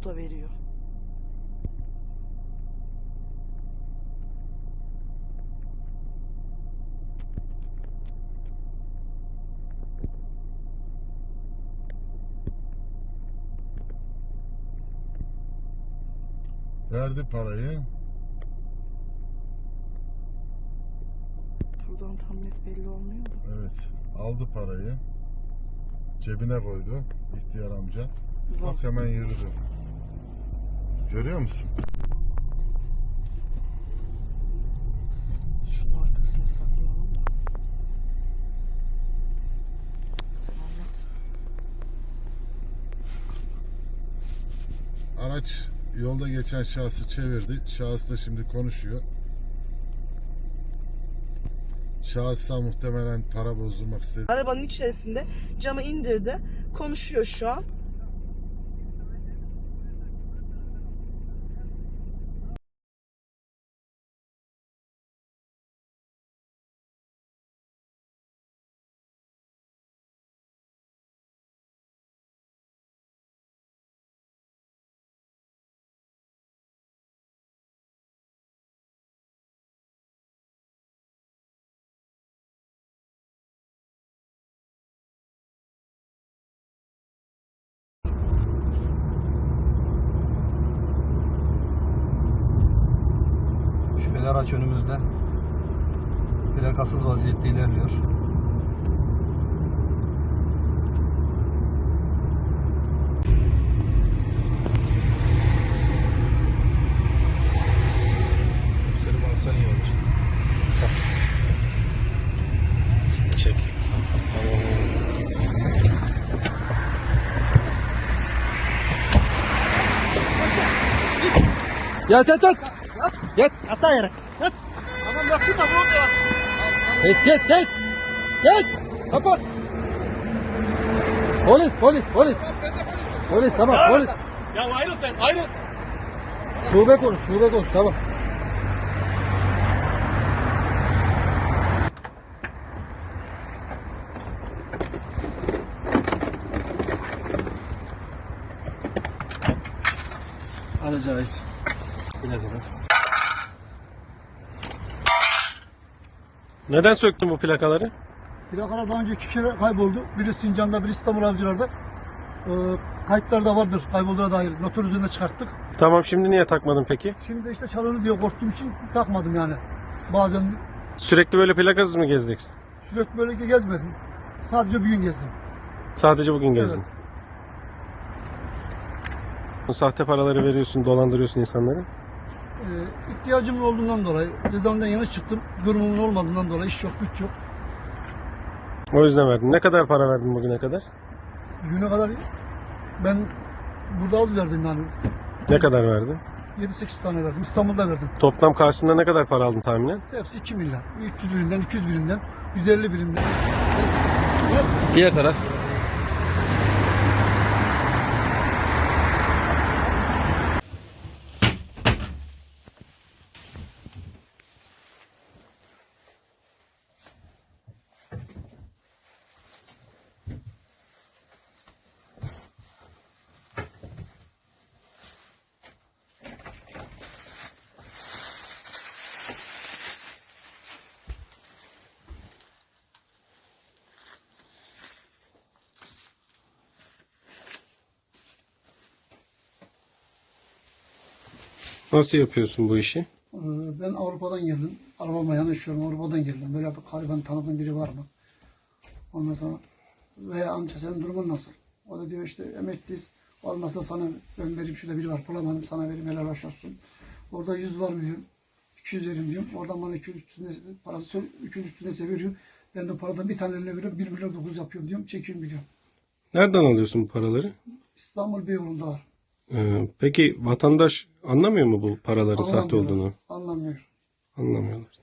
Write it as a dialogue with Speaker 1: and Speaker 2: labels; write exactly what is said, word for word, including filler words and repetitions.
Speaker 1: Bu da veriyor.
Speaker 2: Verdi parayı.
Speaker 1: Buradan tam net belli olmuyor da.
Speaker 2: Evet. Aldı parayı. Cebine koydu ihtiyar amca. Bak hemen yürüdü. Görüyor musun?
Speaker 1: Şunun arkasına saklanalım da. Sen anlat.
Speaker 2: Araç yolda geçen şahsı çevirdi. Şahıs da şimdi konuşuyor. Şahısa muhtemelen para bozdurmak istedi.
Speaker 1: Arabanın içerisinde camı indirdi. Konuşuyor şu an.
Speaker 3: Şüpheli araç önümüzde. Plakasız vaziyette ilerliyor.
Speaker 4: Selim alsan iyi olur. Çek.
Speaker 3: Yat yat yat. Yat.
Speaker 4: Hatta yere.
Speaker 3: Tamam yatsın da burada yat. Kes kes kes. Kes. Kapat. Polis polis polis. Polis tamam polis.
Speaker 4: Ya ayrıl sen ayrıl.
Speaker 3: Şube konuş şube konuş tamam. Alacağı ait. Plakalar.
Speaker 4: Neden söktün bu plakaları?
Speaker 5: Plakalar daha önce iki kere kayboldu. Biri Sincan'da, biri İstanbul Avcılar'da. Ee, kayıtlarda vardır kaybolduğuna dair. Noter üzerinde çıkarttık.
Speaker 4: Tamam, şimdi niye takmadın peki?
Speaker 5: Şimdi de işte çalınır diye korktuğum için takmadım yani. Bazen
Speaker 4: Sürekli böyle plakasız mı gezeceksin?
Speaker 5: sürekli böyle gezmedim. Sadece bir gün gezdim.
Speaker 4: Sadece bugün gezdin.
Speaker 5: Evet.
Speaker 4: Bu sahte paraları veriyorsun, dolandırıyorsun insanları.
Speaker 5: Ee, ihtiyacım olduğundan dolayı, cezaevinden yeni çıktım. Durumumun olmadığından dolayı iş yok, güç yok.
Speaker 4: O yüzden verdin. Ne kadar para verdin bugüne kadar?
Speaker 5: Güne kadar ben burada az verdim yani.
Speaker 4: Ne kadar verdin?
Speaker 5: yedi sekiz tane verdim. İstanbul'da verdim.
Speaker 4: Toplam karşılığında ne kadar para aldın tahminen?
Speaker 5: Hepsi iki milyar. üç yüz birimden, iki yüz birimden, yüz elli birimden.
Speaker 3: Diğer taraf.
Speaker 4: Nasıl yapıyorsun bu işi?
Speaker 5: Ee, Ben Avrupa'dan geldim. Arabama yanaşıyorum. Avrupa'dan geldim. Böyle bir gariban tanıdığın biri var mı? Ondan sonra veya amca senin durumun nasıl? O da diyor işte emekliyiz. Olmazsa sana ben vereyim, şurada biri var bulamadım sana vereyim, helal hoş olsun. Orada yüz var mı diyorum. iki yüz vereyim diyorum. Oradan bana iki yüz üstüne parası iki yüz üstüne seviyorum. Ben de paradan bir tane eline veriyorum. bir milyon dokuz yapıyorum diyorum. Çekiyorum biliyorum.
Speaker 4: Nereden alıyorsun bu paraları?
Speaker 5: İstanbul Beyoğlu'nda var.
Speaker 4: Ee, peki vatandaş anlamıyor mu bu paraların sahte
Speaker 5: Anlamıyorlar,
Speaker 4: olduğunu?
Speaker 5: Anlamıyor.
Speaker 4: Anlamıyorlar.